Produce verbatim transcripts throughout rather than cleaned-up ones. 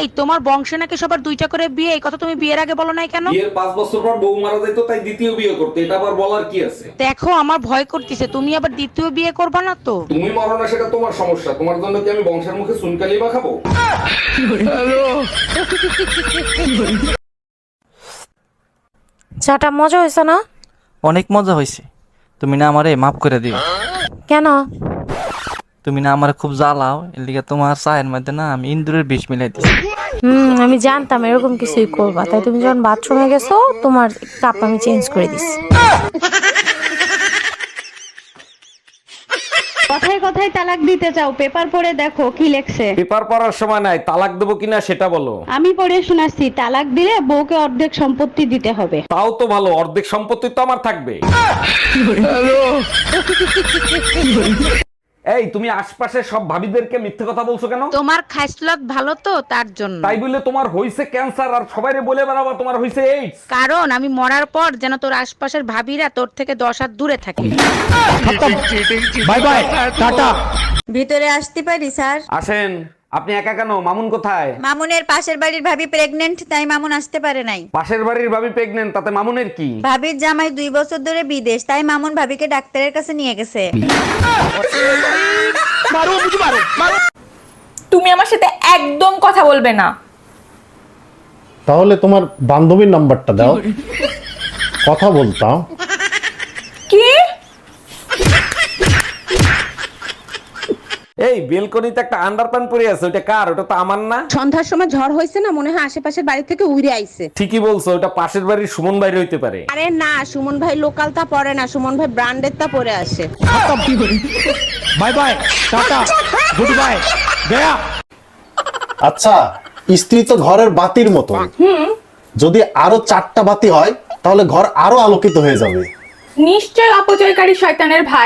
এই তোমার বংশে নাকি সবার দুইটা করে বিয়ে, এই কথা তুমি বিয়ের আগে বলো নাই কেন? বিয়ের পাঁচ বছর পর বউ মারা যাইতো, তাই দ্বিতীয় বিয়ে করতে, এটা আবার বলার কি আছে? দেখো আমার ভয় করতেছে, তুমি আবার দ্বিতীয় বিয়ে করবা না তো? তুমি মরো না সেটা তোমার সমস্যা, তোমার জন্য কি আমি বংশের মুখে চুনকালি বা খাবো? চাটা মজা হয়েছে না? অনেক মজা হয়েছে। তুমি না আমারে মাফ করে দিও। কেন? তুমি না আমারে খুব জ্বালাও, এর লিগে তোমার চায়ের মধ্যে না আমি ইন্দুরের বিষ মিলাই দিছি। হুম আমি জানতাম এরকম কিছুই করবা, তাই তুমি যখন বাথরুমে গেছো তোমার কাপ আমি চেঞ্জ করে দিছি। কথায় কথায় তালাক দিতে চাও, পেপার পড়ে দেখো কি লেখছে। পেপার পড়ার সময় নাই, তালাক দেবো কিনা সেটা বলো। আমি পড়ে শোনাচ্ছি, তালাক দিলে বউকে অর্ধেক সম্পত্তি দিতে হবে। তাও তো ভালো, অর্ধেক সম্পত্তি তো আমার থাকবে। এই তুমি আশপাশে সব ভাবিদেরকে মিথ্যে কথা বলছো কেন? তোমার খাইসলত ভালো তো তার জন্য। তাই বলে তোমার হইছে ক্যান্সার আর সবাইরে বলে বেড়াবা তোমার হইছে এইডস? কারণ আমি মরার পর যেন তোর আশপাশের ভাবিরা তোর থেকে দশ হাত দূরে থাকে। Bye bye, tata. ভিতরে আসতে পারি স্যার? আসেন। আপনি একা কেন? মামুন কোথায়? মামুনের পাশের বাড়ির ভাবি প্রেগনেন্ট, তাই মামুন আসতে পারে নাই। পাশের বাড়ির ভাবি প্রেগনেন্ট, তাতে মামুনের কি? ভাবির জামাই দুই বছর ধরে বিদেশ, তাই মামুন ভাবিকে ডাক্তারের কাছে নিয়ে গেছে। তুমি আমার সাথে একদম কথা বলবে না। তাহলে তোমার বান্ধবীর নাম্বারটা দাও, কথা বলতাম। কি? এই বেলকনিতে একটা আন্ডারপ্যান্ট পরে আছে, ওটা কার? ওটা তো আমার না। সন্ধ্যার সময় ঝড় হয়েছে না, মনে হয় আশেপাশের বাড়ি থেকে উড়ে আইছে। ঠিকই বলছো, ওটা পাশের বাড়ির সুমন বাইরে হইতে পারে। আরে না, সুমন ভাই লোকাল তা পরে না, সুমন ভাই ব্র্যান্ডের তা পরে আসে। Bye bye, tata, goodbye, গয়া। আচ্ছা, স্ত্রী তো ঘরের বাতির মতো, যদি আরো চারটা বাতি হয় তাহলে ঘর আরো আলোকিত হয়ে যাবে। নিশ্চয় অপচয়কারী শয়তানের ভাই।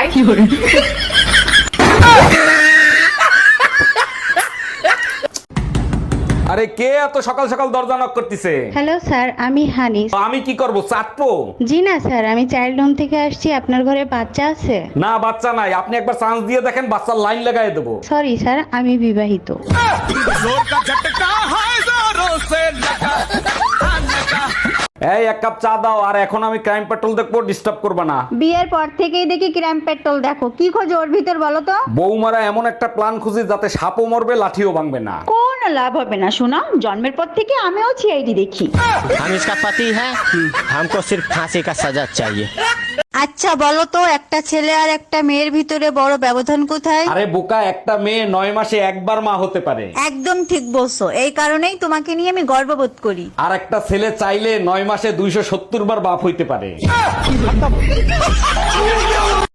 আরে কে এত সকাল সকাল দরজা নক করতেছে? হ্যালো স্যার, আমি হানি। তো আমি কি করব, চাটবো? জি না স্যার, আমি চাইল্ড হোম থেকে আসছি। আপনার ঘরে বাচ্চা আছে? না, বাচ্চা নাই। আপনি একবার চান্স দিয়ে দেখেন, বাচ্চার লাইন লাগাই দেবো। সরি স্যার, আমি বিবাহিত। এই এক কাপ চা দাও, আর এখন আমি ক্রাইম পেট্রোল দেখবো, ডিস্টার্ব করবে না। বিয়ের পর থেকেই দেখি ক্রাইম পেট্রোল দেখো, কি খোঁজ ওর ভিতর বলো তো? বৌমারা এমন একটা প্ল্যান খুঁজি যাতে সাপও মরবে, লাঠিও ভাঙবে না। কোন লাভ হবে না শোনা, জন্মের পর থেকে আমিও সিআইডি দেখি। हम इसका पति है, हमको सिर्फ फांसी का सजा चाहिए। আচ্ছা বলো তো, একটা ছেলে আর একটা মেয়ের ভিতরে বড় ব্যবধান কোথায়? আরে বোকা, একটা মেয়ে নয় মাসে একবার মা হতে পারে। একদম ঠিক বলছো, এই কারণেই তোমাকে নিয়ে আমি গর্ববোধ করি। আর একটা ছেলে চাইলে নয় মাসে দুইশো সত্তর বার বাপ হইতে পারে।